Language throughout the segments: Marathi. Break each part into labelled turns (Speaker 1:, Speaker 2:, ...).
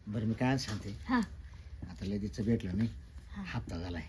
Speaker 1: बरं मी काय सांगते
Speaker 2: हा
Speaker 1: आता लगेच भेटलो नाही
Speaker 2: हा.
Speaker 1: हप्ता झालाय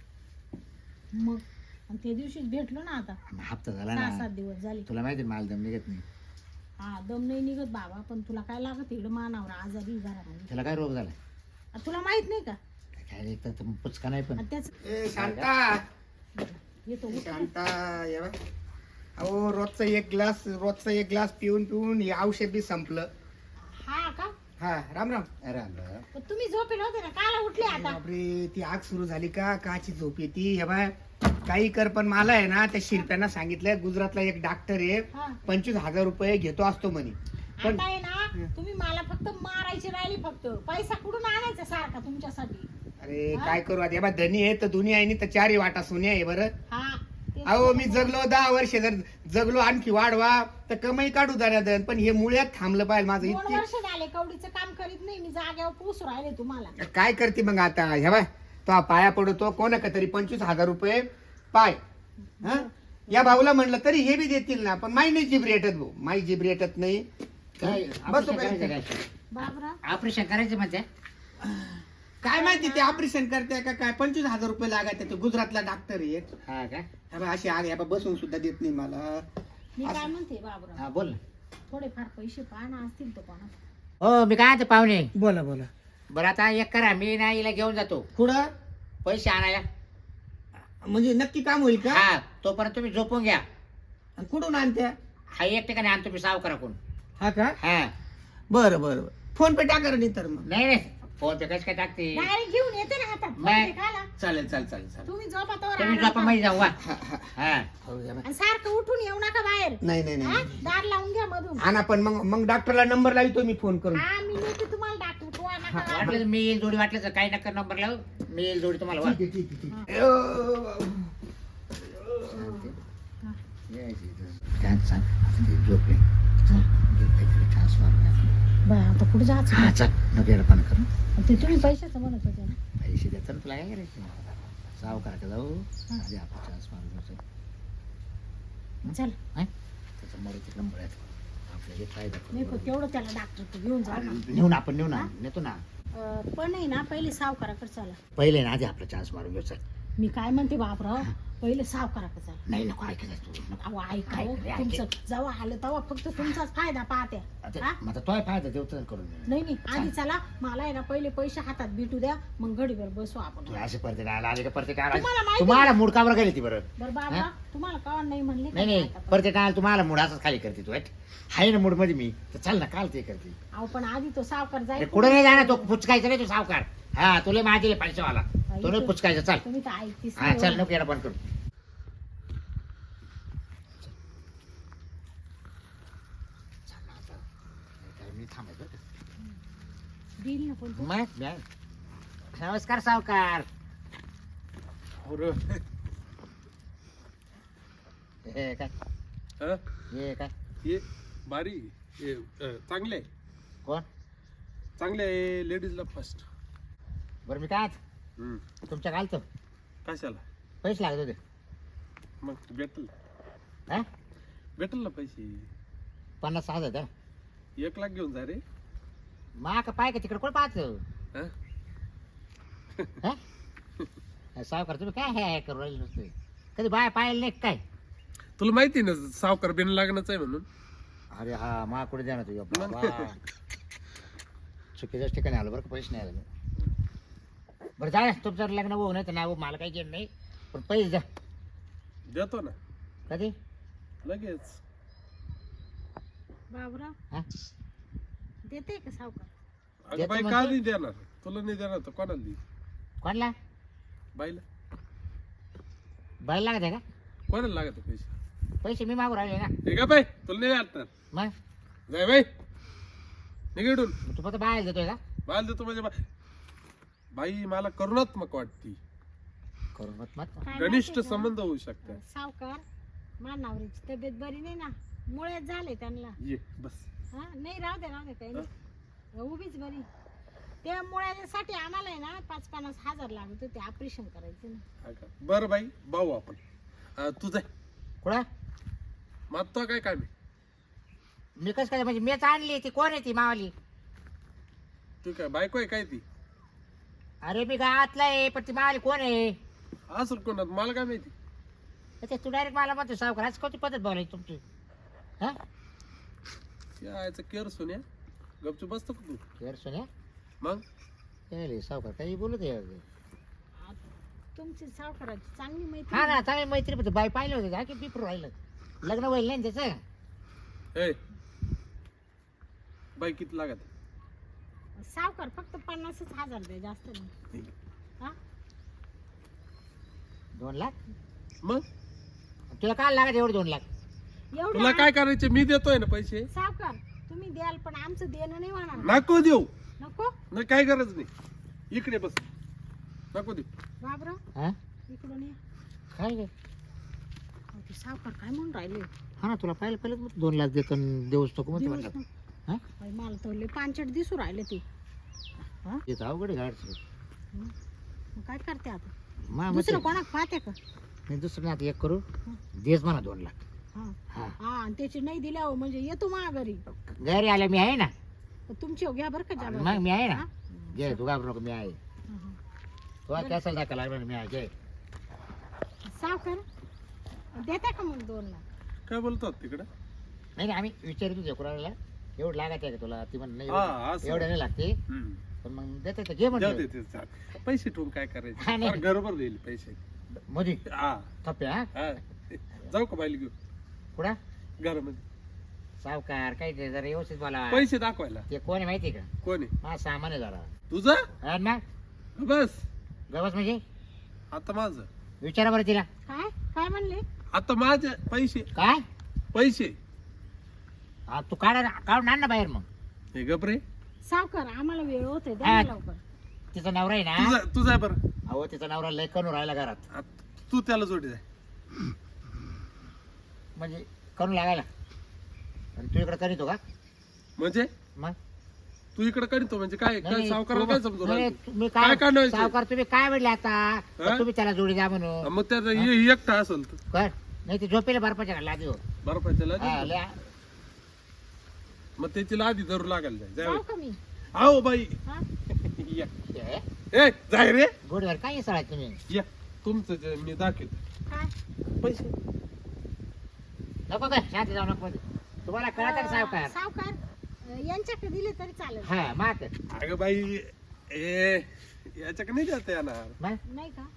Speaker 2: मग आणि त्या दिवशीच भेटलो ना आता
Speaker 1: हप्ता झाला
Speaker 2: 6-7
Speaker 1: ना
Speaker 2: दिवस झाले.
Speaker 1: तुला माहिती आहे, माल दम निघत नाही
Speaker 2: हा दम नाही निघत बाबा, पण तुला काय लागत इकडं मानावर आजारी घरामध्ये.
Speaker 1: त्याला काय रोग झाला
Speaker 2: आ, तुला माहित नाही का?
Speaker 1: काय एक तर पुचका नाही पण
Speaker 2: आणि त्याच
Speaker 3: ए शांता
Speaker 2: येतो उठ.
Speaker 3: शांता ये बघ. अहो रोजचा एक ग्लास पिऊन पिऊन हे औषध बी संपलं.
Speaker 2: हा का?
Speaker 3: हा राम राम.
Speaker 1: अरे अरे
Speaker 2: पण तुम्ही झोपेल होते ना, काला उठले आता?
Speaker 3: बापरे ती आग सुरू झाली का काची झोप येते हे बाय. काही कर पण मला आहे ना त्या शिरप्यांना सांगितलंय गुजरातला एक डॉक्टर आहे
Speaker 2: हा
Speaker 3: 25,000 रुपये घेतो असतो म्हणे. पण
Speaker 2: आता आहे ना, तुम्ही मला फक्त मारायची राहिली, फक्त पैसा कुठून आणायचा सारखा तुमच्यासाठी?
Speaker 3: अरे काय करू आता हे बा धनी आहे तर दुनिया आहे नाही तर चारही वाटा सोन्या आहे बरं.
Speaker 2: हा तेच
Speaker 3: अहो मी
Speaker 2: तर.
Speaker 3: जगलो 10 वर्ष जर जगलो आणखी वाढवा तर कमाई काढू दन पण हे मुळ्यात थांबलं पाहिजे माझं
Speaker 2: 2
Speaker 3: इतके.
Speaker 2: वर्ष झाले कवडीचं काम करीत नाही मी, जाग्यावर पोसू राहिले तुम्हाला.
Speaker 3: काय करते मग आता हे बाय तो पाया पडतो कोणा तरी 25,000 रुपये पाय. हं? या भाऊला म्हणलं तरी हे बी देतील ना, पण माई नाही जीभ रेटत भाऊ, माई जीभ रेटत नाही.
Speaker 1: काय
Speaker 3: बसू
Speaker 1: ऑपरेशन
Speaker 3: काय?
Speaker 1: करायचं
Speaker 2: बाबरा
Speaker 1: ऑपरेशन करायचं म्हणते
Speaker 3: काय माहिती ते ऑपरेशन करते का काय 25,000 रुपये लागायचे. ते गुजरातला डॉक्टर आहे
Speaker 1: हा का
Speaker 3: हे बघ, अशी आग हे बघ, बसून सुद्धा देत नाही मला.
Speaker 2: मी काय म्हणते बाबरा,
Speaker 1: हा बोल ना
Speaker 2: थोडेफार पैसे पाहा असतील तर कोणा.
Speaker 1: हो मी काय म्हणते पाहुणे
Speaker 3: बोला बोला.
Speaker 1: बरं आता एक करा मी ना हिला घेऊन जातो
Speaker 3: कुठं
Speaker 1: पैसे आणायला
Speaker 3: म्हणजे नक्की काम होईल का?
Speaker 1: हा तोपर्यंत तुम्ही झोपून घ्या.
Speaker 3: आणि कुठून आणत्या?
Speaker 1: हा एक ठिकाणी आणतो मी सावकाराकडून.
Speaker 3: हा का?
Speaker 1: हा
Speaker 3: बरं बरं बरं. फोन पे टाका नाही तर मग.
Speaker 1: नाही नाही फोन पे कसं काय टाकते
Speaker 2: डायरेक्ट घेऊन येते ना हातात.
Speaker 1: नाही.
Speaker 2: पैसे खाला.
Speaker 3: चालेल चालेल चालेल चालेल.
Speaker 2: तुम्ही झोपा तोवर
Speaker 1: तुम्ही
Speaker 2: आराम
Speaker 1: झोपा
Speaker 2: करा.
Speaker 1: मध्ये जाऊ वा.
Speaker 3: हा, हा.
Speaker 1: हा
Speaker 3: हो, या बाय.
Speaker 2: आणि सारखं उठून येऊ नका बाहेर.
Speaker 3: नाही नाही
Speaker 2: हा?
Speaker 3: नाही
Speaker 2: दार लावून घ्या मधून.
Speaker 3: आणा पण मग डॉक्टरला नंबर लावतो मी फोन करून.
Speaker 2: हा मी नेते तुम्हाला दाखवू. तो नका लावू.
Speaker 1: वाटलं तर मी येईल जोडी वाटलं तर काही नका नंबर लावू मी येईल जोडी तुम्हाला वा.
Speaker 3: ठीक आहे, ठीक आहे, ठीक आहे.
Speaker 1: काय सांग झोपले चान्स मारून
Speaker 2: बरं, आता कुठे जायचं?
Speaker 1: हा चल नको येडा पाणी करू
Speaker 2: ते तुम्ही पैशाचं म्हणत होते ना.
Speaker 1: पैसे देतात ना तुला काय करायचं सावकाराकडे जाऊ आधी आपण चान्स मारून जायचं.
Speaker 2: चल
Speaker 1: हा? त्याचं मरे तिकडं मळ्यात आपलं हे फायदा
Speaker 2: नाही
Speaker 1: करू.
Speaker 2: पण तेवढं त्याला डॉक्टर घेऊन जा ना.
Speaker 1: नेऊ ना आपण नेऊ ना नेतो ना
Speaker 2: पण नाही ना, पहिले सावकाराकडे चला.
Speaker 1: पहिले ना आधी आपला चान्स मारून घेऊ चल.
Speaker 2: मी काय म्हणते बापराव, पहिले सावकाराकडे चला.
Speaker 1: नाही नको ऐकायचं तू नको.
Speaker 2: अहो ऐका हो,
Speaker 1: ऐक रे, ऐक.
Speaker 2: तुमचं जेव्हा आलं तेव्हा फक्त तुमचाच फायदा पाहत्या.
Speaker 1: आता
Speaker 2: हा?
Speaker 1: मग आता तोय फायदा देऊ तर करून दे.
Speaker 2: नाही आधी चला, मला आहे ना पहिले पैसे हातात भेटू द्या, मग घडीवर बसू आपण.
Speaker 1: तू असे परत आले का परत
Speaker 2: तुम्हाला माहिती
Speaker 1: तुम्हाला मूड कावर गेली ती बरं
Speaker 2: बरं बाबा, तुम्हाला का नाही म्हणले
Speaker 1: नाही नाही
Speaker 2: का?
Speaker 1: परत काय तुम्हाला मूड असंच खाली करते तू हाय ना मूड मध्ये मी तर चल ना काल ते करते
Speaker 2: अहो पण आधी तो सावकार
Speaker 1: अरे
Speaker 2: जाईल.
Speaker 1: कुठे नाही जाणार तो पुचकायचा नाही तू सावकार हा तुला माझे पैसेवाला तो नाही पुचकायचा चल
Speaker 2: तुम्ही तर ऐकतीस
Speaker 1: हा चल नको येणं बंद करू चल ना आता. नाही काय मी थांबायचं बरं का.
Speaker 2: देईल ना पण तो.
Speaker 1: मग नमस्कार सावकार हे काय
Speaker 4: हं?
Speaker 1: हे काय
Speaker 4: हे बारी हे चांगले आहे.
Speaker 1: कोण
Speaker 4: चांगले आहे लेडीजला फर्स्ट.
Speaker 1: बरं मी काय आज तुमच्या घालतो
Speaker 4: कशाला
Speaker 1: पैसे लागत होते
Speaker 4: मग भेटल
Speaker 1: हा
Speaker 4: भेटल ना पैसे.
Speaker 1: 50,000 द्या
Speaker 4: 1 लाख घेऊन जा रे.
Speaker 1: मा का पाय का तिकडे कोण पाहतो
Speaker 4: हं?
Speaker 1: सावकार तुम्ही काय हे करू राहिले नुसते कधी बाय पाहिलं नाही का काय
Speaker 4: तुला माहिती ना सावकार बिन लागणच आहे म्हणून.
Speaker 1: अरे हा मा कुठे द्या ना तुझ्या बाबा चुकीच्याच ठिकाणी आलो बरं का पैसे नाही आले बरं जा तुमचं लग्न होऊ नाही तर नाही हो मला काही घेणं नाही पण पैसे द्या
Speaker 4: देतो ना
Speaker 1: कधी
Speaker 4: लगेच.
Speaker 2: बाबराव
Speaker 1: हा
Speaker 2: देते का सावकार?
Speaker 4: अगं
Speaker 1: देतो
Speaker 4: बाई का
Speaker 1: म्हणतो.
Speaker 4: नाही देणार तुला नाही देणार तर कोणाला देईल
Speaker 1: कोणला
Speaker 4: बाईला.
Speaker 1: बाय लागत आहे का
Speaker 4: कोणाला लागत पैसे.
Speaker 1: पैसे मी मागू राहिले ना
Speaker 4: हे का बाई तुला नाही वाटणार.
Speaker 1: मग
Speaker 4: जाय बाई निघडून
Speaker 1: तू फक्त बाय देतोय का
Speaker 4: बाल देतो म्हणजे बाई मला करुणात्मक वाटती.
Speaker 1: करून मत मत
Speaker 2: काय
Speaker 4: घनिष्ठ
Speaker 2: माहिती का?
Speaker 4: संबंध होऊ शकतात.
Speaker 2: सावकार मानावरीची तब्येत बरी नाही ना, मुळ्यात झाले त्यांना.
Speaker 4: ये बस.
Speaker 2: हा नाही राहू दे काही नाही, उभीच बरी. त्या मुळ्यासाठी आम्हाला आहे ना 5-50 हजार लागत होते ऑपरेशन करायचं ना.
Speaker 4: हा का? बरं बाई भाऊ आपण तू जाय
Speaker 1: कुठं
Speaker 4: मागतो काय काय मी
Speaker 1: मी कसं काय म्हणजे मीच आणली ती कोण आहे ती मावाली
Speaker 4: तू काय बायको आहे काय ती?
Speaker 1: अरे मी गावातला आहे पण ती मावाली कोण आहे?
Speaker 4: असं कोणात मला काय माहिती.
Speaker 1: ते तू डायरेक्ट मला म्हणतो सावकार आज कोणती पद्धत बोलायची तुमची? हा
Speaker 4: यायचं केअर सोन्या गपचूप बसतो का तू?
Speaker 1: यार सोन्या
Speaker 4: मग
Speaker 1: काय सावकार काही बोलत आहे?
Speaker 2: तुमची सावकाराची चांगली
Speaker 1: हा
Speaker 2: माहिती
Speaker 1: ना चांगली मैत्री पण बाई पाहिलं होतं का की पिपरू राहिलं लग्न होईल नाही ना त्याचं.
Speaker 4: ए बाई किती लागत?
Speaker 2: सावकार फक्त 50,000 द्या, जास्त नाही. हा
Speaker 1: 2 लाख
Speaker 4: मग
Speaker 1: तुला काय लागत एवढे 2 लाख?
Speaker 2: एवढं
Speaker 4: तुला काय करायचे? मी देतोय ना पैसे.
Speaker 2: सावकार तुम्ही द्याल पण आमचं देणं नाही होणार.
Speaker 4: नको देऊ.
Speaker 2: नको
Speaker 4: नाही काय गरज नाही. इकडे बस. नको देऊ.
Speaker 2: बाबरा
Speaker 1: हा
Speaker 2: इकडून ये.
Speaker 1: काय रे?
Speaker 2: अहो, ते सावकार काय म्हणून राहिले?
Speaker 1: हा ना तुला पहिलं 2 लाख देतो आणि देऊच नको म्हणते
Speaker 2: दिवस
Speaker 1: म्हणलं.
Speaker 2: ना.
Speaker 1: हा
Speaker 2: बाई, मला तर लय पांचट दिसू राहिले ते. हा
Speaker 1: येत अवघड गाडचं
Speaker 2: मग काय करते आता?
Speaker 1: मा
Speaker 2: दुसरं कोणाक पाहते का?
Speaker 1: नाही दुसरं नाही आता एक करू देच म्हणा 2 लाख.
Speaker 2: हा
Speaker 1: हा
Speaker 2: हा आणि त्याची नाही दिल्यावर म्हणजे येतो मा घरी.
Speaker 1: घरी आल्या मी आहे ना.
Speaker 2: तुमची घ्या बरं का जागा.
Speaker 1: मग मी आहे ना.
Speaker 2: हा?
Speaker 1: घे तू घाबरू नको मी आहे.
Speaker 2: हा, हा.
Speaker 1: तुला कॅसल दाखवा लागणार मी आहे घे.
Speaker 2: सावकार देता का मग 2 लाख?
Speaker 4: काय बोलतात तिकडे?
Speaker 1: नाही नाही आम्ही विचारतो तुझ्या कुणाला एवढं लागत आहे का तुला? ती म्हण नाही
Speaker 4: हा,
Speaker 1: एवढं
Speaker 4: असं.
Speaker 1: एवढं नाही लागते
Speaker 4: हम्म.
Speaker 1: पण मग देते तर घे
Speaker 4: जाऊ
Speaker 1: म्हणलं
Speaker 4: दे ते चाल. पैसे ठेवून काय
Speaker 1: हा,
Speaker 4: करायचं?
Speaker 1: नाही.
Speaker 4: फार गडबड देईल पैसे.
Speaker 1: मोदी
Speaker 4: हा
Speaker 1: थप्पे हा
Speaker 4: हा. जाऊ का बाईला घेऊ
Speaker 1: कुठं
Speaker 4: घरामध्ये?
Speaker 1: सावकार काय ते जरा व्यवस्थित बोला.
Speaker 4: पैसे दाखवायला.
Speaker 1: ते कोण आहे माहिती का?
Speaker 4: कोण आहे?
Speaker 1: हा सामान आहे जरा.
Speaker 4: तुझा?
Speaker 1: हा ना
Speaker 4: बस
Speaker 1: गवस म्हणजे
Speaker 4: आता माझं.
Speaker 1: विचारा बरं तिला.
Speaker 2: काय काय म्हणले?
Speaker 4: आता माझे पैसे
Speaker 1: काय
Speaker 4: पैसे
Speaker 1: हा तू काढून आण ना बाहेर मग.
Speaker 4: हे गपरे.
Speaker 2: सावकार आम्हाला वेळ होते द्या
Speaker 1: हा.
Speaker 2: ना लवकर.
Speaker 1: तिचा नवरा आहे ना.
Speaker 4: तुझा आहे बरं.
Speaker 1: अहो तिचा नवरा लय करून राहिला घरात
Speaker 4: तू त्याला जोडी जाय.
Speaker 1: म्हणजे करून लागायला आणि तू इकडे करीतो का?
Speaker 4: म्हणजे
Speaker 1: मग
Speaker 4: तू इकडे करीतो म्हणजे काय काय
Speaker 1: नाही,
Speaker 4: सावकाराला
Speaker 1: तू-
Speaker 4: काय समजू
Speaker 1: नाही,
Speaker 4: राहिलं?
Speaker 1: तुम्ही
Speaker 4: काय
Speaker 1: काय
Speaker 4: काढायचं?
Speaker 1: सावकार तुम्ही काय म्हणले आता?
Speaker 4: हा?
Speaker 1: तुम्ही त्याला जोडी द्या म्हणून
Speaker 4: मग त्याचा एकटा असेल तर
Speaker 1: कर नाही ते झोपेला बर्फाच्या घालला देऊ.
Speaker 4: बर्फाच्या
Speaker 1: हा,
Speaker 4: लादी.
Speaker 1: लय-
Speaker 4: मग त्याची लादी धरू लागायला जाय.
Speaker 2: जाऊ का मी?
Speaker 4: आओ बाई
Speaker 2: हा?
Speaker 4: या.
Speaker 1: हे,
Speaker 4: ए जाय रे.
Speaker 1: गोडीवर काय सळा तुम्ही
Speaker 4: या तुमचं जे मी दाखवतो
Speaker 2: काय?
Speaker 4: पैसे.
Speaker 1: नको काय शांती जाऊ नको तुम्हाला कळत का सावकार?
Speaker 2: सावकार यांच्याकडे दिले तरी चालेल.
Speaker 1: हा मात
Speaker 4: अगं बाई ए याच्याकडे नाही जाता येणार.
Speaker 2: नाही का?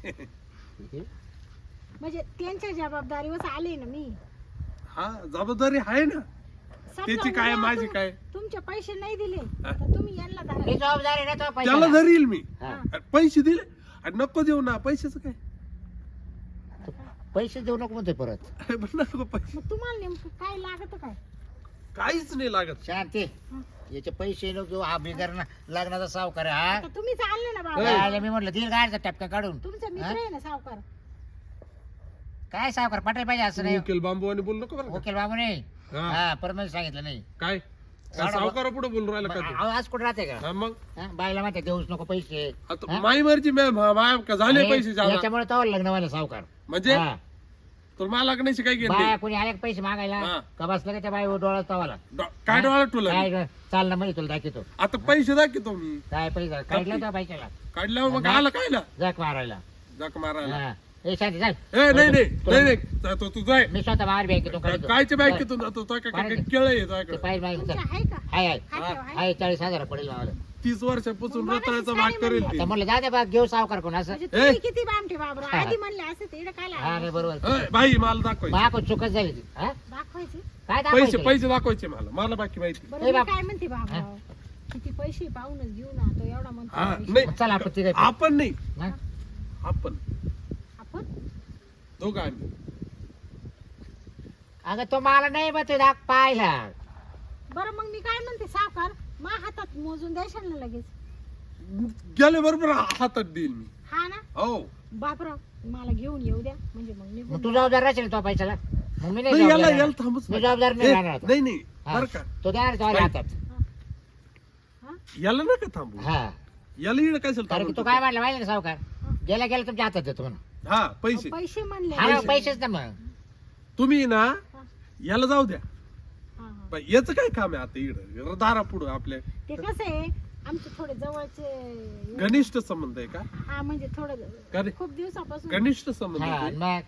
Speaker 2: म्हणजे त्यांच्या जबाबदारीवर आले ना मी.
Speaker 4: हा जबाबदारी आहे ना.
Speaker 2: समजा
Speaker 4: त्याची काय,
Speaker 2: उद्या
Speaker 4: माझी काय?
Speaker 2: तुमचे पैसे नाही दिले
Speaker 4: हा.
Speaker 2: तर तुम्ही यांना धरा.
Speaker 1: मी जबाबदारी ना तो
Speaker 4: त्याला
Speaker 1: पैसे
Speaker 4: धरील मी.
Speaker 1: हा.
Speaker 4: आणि पैसे दिले आणि नको देऊ ना. पैशाचं काय?
Speaker 1: पैसे देऊ नको म्हणतोय परत.
Speaker 4: अरे पण नको पैसे.
Speaker 2: मग तुम्हाला नेमकं काय लागत काय?
Speaker 4: काहीच नाही लागत.
Speaker 1: शांती
Speaker 2: हा.
Speaker 1: याचे पैसे नको हा बिगर लग्नाचा सावकार आहे, हा
Speaker 2: आता तुम्ही चालले ना बाबा.
Speaker 1: काय मी म्हटलं दिल गाडचा टपका काढून.
Speaker 2: तुमचा मित्र आहे ना सावकार.
Speaker 1: काय सावकार पटायला पाहिजे असं नाही.
Speaker 4: वकील बांबू आणि बोलू नको बरं का?
Speaker 1: वकील बाबू नाही.
Speaker 4: हा.
Speaker 1: हा परमेश्वर सांगितलं नाही.
Speaker 4: काय सावकारा पुढे बोलून राहिला का तू?
Speaker 1: अहो, आज कुठे राहते का?
Speaker 4: हा, मग
Speaker 1: हा, बाईला माहिती देऊच नको पैसे.
Speaker 4: आता
Speaker 1: हा?
Speaker 4: माई मर्जी मॅम झाले
Speaker 1: आणि
Speaker 4: पैसे जादा.
Speaker 1: याच्यामुळे तो लग्न व्हायला सावकार.
Speaker 4: म्हणजे
Speaker 1: हा.
Speaker 4: तुला मला लागण्याची काय
Speaker 1: बाया
Speaker 4: घेतली?
Speaker 1: कोणी आले का पैसे मागायला
Speaker 4: हा.
Speaker 1: का बसलं का त्या बाई डोळा तवाला
Speaker 4: काय डोळा तुला
Speaker 1: काय ग, चाल ना म्हणजे तुला दाखवतो
Speaker 4: आता पैसे दाखवतो मी.
Speaker 1: काय पैसे काढला त्या बाईच्याला
Speaker 4: काढल्यावर मग
Speaker 1: नाही.
Speaker 4: आला कायला
Speaker 1: जग मारायला.
Speaker 4: जाक मारायला.
Speaker 1: हा. ए शांती चाल.
Speaker 4: ए नाही नाही नाही नाही जातो तू जाय.
Speaker 1: मी स्वतः बाहेर बँकेतून काढतो.
Speaker 4: कायच्या बँकेतून जातो तो काय
Speaker 1: काढतो.
Speaker 4: केळ आहे
Speaker 1: ते
Speaker 4: तुझ्याकडे?
Speaker 1: पाहिजे मागे
Speaker 2: तुमच्या
Speaker 1: चल.
Speaker 2: आहे का?
Speaker 1: हाय हाय
Speaker 2: हाय का? हाय?
Speaker 1: हाय 40,000 पडेल मावाला.
Speaker 4: 30 वर्षापासून
Speaker 2: मग
Speaker 4: रताळ्याचा
Speaker 2: मगाशीच
Speaker 4: भाग
Speaker 2: काय
Speaker 4: करेल
Speaker 2: म्हणले?
Speaker 4: ती.
Speaker 1: तर म्हणलं जा दे बा घेऊ सावकार कोण असं.
Speaker 2: म्हणजे तुम्ही किती बामठे बाबरा.
Speaker 1: हा.
Speaker 2: आधी म्हणले असं ते इकडे काय
Speaker 1: हा
Speaker 2: लागलं?
Speaker 1: नाही बरोबर.
Speaker 4: ए, बाई मला दाखवायचे
Speaker 1: माको चुकच झाली ती. हा?
Speaker 2: दाखवायचे.
Speaker 1: काय
Speaker 4: पैसे
Speaker 1: दाखवायचं?
Speaker 4: पैसे दाखवायचे मला बाकी माहिती.
Speaker 2: बरं
Speaker 1: ए
Speaker 2: मी
Speaker 1: बाप.
Speaker 2: काय म्हणते बाबा किती पैसे पाहूनच घेऊ ना तो एवढा
Speaker 4: हा
Speaker 2: म्हणतो.
Speaker 4: नाही
Speaker 1: चल आपण तिघं.
Speaker 4: आपण नाही
Speaker 1: हा?
Speaker 4: आपण
Speaker 2: आपण
Speaker 4: दोघं आम्ही.
Speaker 1: अगं तो मला नाही बा दाख पाहिला.
Speaker 2: बरं मग मी काय म्हणते सावकार मा हातात मोजून द्यायचं ना लगेच.
Speaker 4: गेले बरोबर हातात देईल मी.
Speaker 2: हा ना
Speaker 4: हो
Speaker 2: बापरा मला घेऊन येऊ द्या म्हणजे मग
Speaker 1: मग
Speaker 2: निघून.
Speaker 1: तू जबाबदार राहशील तो पैशाला. मग मी नाही
Speaker 4: नाही, याला
Speaker 1: जबाबदार
Speaker 4: याला
Speaker 1: राहणार.
Speaker 4: थांबच
Speaker 1: मी जबाबदार नाही
Speaker 4: ए,
Speaker 1: राहणार आता.
Speaker 4: नाही नाही
Speaker 1: हा.
Speaker 4: बरं का
Speaker 1: तो द्या तो
Speaker 4: बाई.
Speaker 1: हातात.
Speaker 2: हा?
Speaker 4: याला नका थांबू.
Speaker 1: हा
Speaker 4: याला इकडे काय
Speaker 1: कारण की तो काय म्हणला माहिती ना सावकार गेला गेला तुमच्या हातात देतो म्हणून.
Speaker 4: हा पैसे
Speaker 2: पैसे म्हणले.
Speaker 1: हा ना, पैसेच ना मग.
Speaker 4: तुम्ही ना याला जाऊ द्या.
Speaker 2: हा, हा.
Speaker 4: बाई, याचं काय काम आहे आता इकडं दारा पुढं आपल्या.
Speaker 2: ते कसं आहे आमचे थोडे जवळचे
Speaker 4: घनिष्ठ संबंध आहे का?
Speaker 2: हा म्हणजे थोडं
Speaker 4: का
Speaker 2: खूप दिवसापासून
Speaker 4: घनिष्ठ संबंध
Speaker 1: हा
Speaker 4: आहे ते?
Speaker 1: मग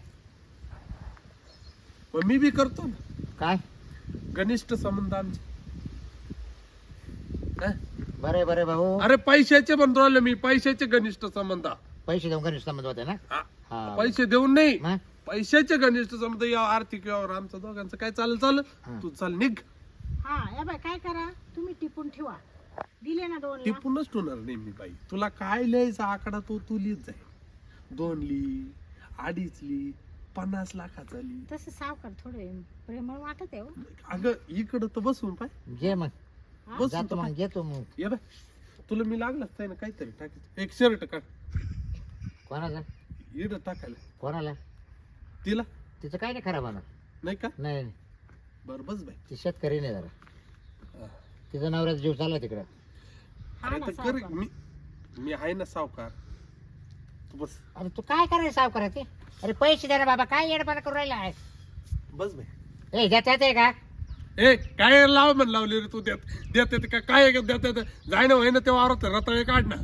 Speaker 4: मग मी बी करतो ना
Speaker 1: काय
Speaker 4: घनिष्ठ संबंध आमचे. हा?
Speaker 1: बरे बरे भाऊ
Speaker 4: अरे पैशाचे म्हणतो राहिलो मी, पैशाचे घनिष्ठ संबंध.
Speaker 1: पैसे देऊन घनिष्ठ संबंध होते ना
Speaker 4: हा.
Speaker 1: हा
Speaker 4: पैसे देऊन नाही,
Speaker 1: मग
Speaker 4: पैशाचे घनिष्ठ संबंध. या आर्थिक व्यवहार आमचं दोघांचं काय चालेल
Speaker 1: हा.
Speaker 4: तू चाल निघ.
Speaker 2: हा या बाय काय करा तुम्ही टिपून ठेवा. दिले ना 2 लाख
Speaker 4: टिपूनच ठेवणार नाही मी बाई. तुला काय लिहायचा आकडा तो तू लिहित जाईल. 2 ली, 2.5 ली, 50 लाखाचा ली.
Speaker 2: तसं सावकार थोडे प्रेमळ वाटत आहे हो.
Speaker 4: अगं इकडं तर बसून पाय,
Speaker 1: घे मग
Speaker 4: बसून
Speaker 1: जातो
Speaker 4: तर
Speaker 1: मग घेतो मग
Speaker 4: पाय. ये बाय तुला मी लागलाच आहे ना काहीतरी टाकायचं. एक शर्ट काढ
Speaker 1: कोणाला
Speaker 4: इकडं टाकायला.
Speaker 1: कोणाला
Speaker 4: तिला
Speaker 1: तिचं काय नाही खराब होणार
Speaker 4: नाही का?
Speaker 1: नाही नाही.
Speaker 4: बर बस बाई.
Speaker 1: ती शेतकरी नाही जरा
Speaker 4: हा.
Speaker 1: तिचा नवऱ्याचा जीव चालला तिकडं
Speaker 2: हा
Speaker 4: अरे
Speaker 2: ना
Speaker 4: तर कर
Speaker 2: सावकार.
Speaker 4: मी आहे ना सावकार. तू बस
Speaker 1: अरे तू काय करायला साव करायचे अरे पैसे द्या ना बाबा काय येडपणा करून राहिला आहे
Speaker 4: बस बाई.
Speaker 1: ए देता येते का
Speaker 4: ए काय लाव म्हण लावली रे तू देत का काय देत जाय ना होय ना तेव्हा वावरात रताळे काढ ना.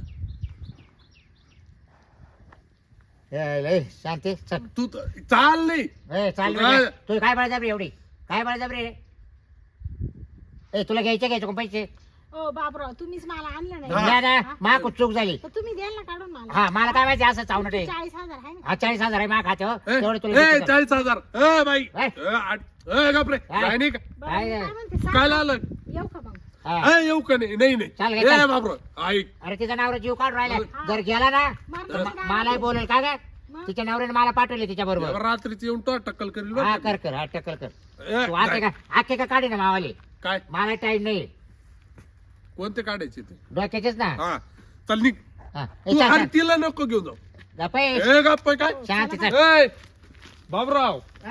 Speaker 1: ए शांती चल
Speaker 4: तू चाल नाही.
Speaker 1: ए चाल
Speaker 4: तू काय-
Speaker 1: तू काय बळजबरी एवढी काय बळजबरी रे ए तुला घ्यायचे कोण पैसे
Speaker 2: ओ बाबराव तुम्हीच मला आणलं
Speaker 4: हा.
Speaker 2: नाही
Speaker 1: द्या ना मा खूप चूक झाली
Speaker 2: तर तुम्ही द्याल ना काढून मला.
Speaker 1: हा मला काय माहिती असं चावणं ते
Speaker 2: 40,000 आहे ना.
Speaker 1: हा 40,000 आहे मा खाते हो
Speaker 4: ए,
Speaker 1: तेवढे तुला
Speaker 4: ए,
Speaker 1: देतो.
Speaker 4: 40,000. ए बाई
Speaker 1: ए.
Speaker 4: गपरे
Speaker 1: काय?
Speaker 4: जाय नाही का?
Speaker 2: बरं,
Speaker 1: काय
Speaker 2: मी
Speaker 1: आहे?
Speaker 2: काय म्हणते
Speaker 4: तू
Speaker 2: सावकार,
Speaker 4: काय लावलं?
Speaker 2: येऊ का मग?
Speaker 1: हा.
Speaker 4: येऊ का नाही नाही
Speaker 1: चाल
Speaker 4: नाही.
Speaker 1: घे,
Speaker 4: ए
Speaker 1: चाल.
Speaker 4: बाबरो ऐक.
Speaker 1: अरे तिचा नवरा जीव काढून राहिला
Speaker 2: हा.
Speaker 1: जर गेला ना
Speaker 2: मग
Speaker 1: तर
Speaker 2: तुम्ही काय
Speaker 1: मलाही
Speaker 2: म्हणते?
Speaker 1: बोलेल का ग
Speaker 2: मग?
Speaker 1: तिच्या नवऱ्याने मला पाठवले तिच्या बरोबर
Speaker 4: रात्रीच येऊन तो टक्कल करील बरं
Speaker 1: हा
Speaker 4: का?
Speaker 1: कर हा टक्कल कर
Speaker 4: ए,
Speaker 1: तू आखे
Speaker 4: जाय.
Speaker 1: का आखे का काढी ना मावाले
Speaker 4: काय
Speaker 1: मला टाइम नाही
Speaker 4: कोणते काढायचे ते?
Speaker 1: डोक्याचेच ना
Speaker 4: हा चल निघ.
Speaker 1: हा. ए,
Speaker 4: तू
Speaker 1: चाल,
Speaker 4: अरे
Speaker 1: चाल.
Speaker 4: तिला नको घेऊन जाऊ.
Speaker 1: जा पै.
Speaker 4: ए गप्प काय
Speaker 1: शांती चाल.
Speaker 4: ए बाबराव
Speaker 1: हा.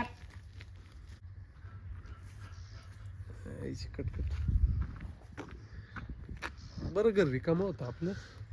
Speaker 4: कटकट बरं घर रिकाम होतं आपलं.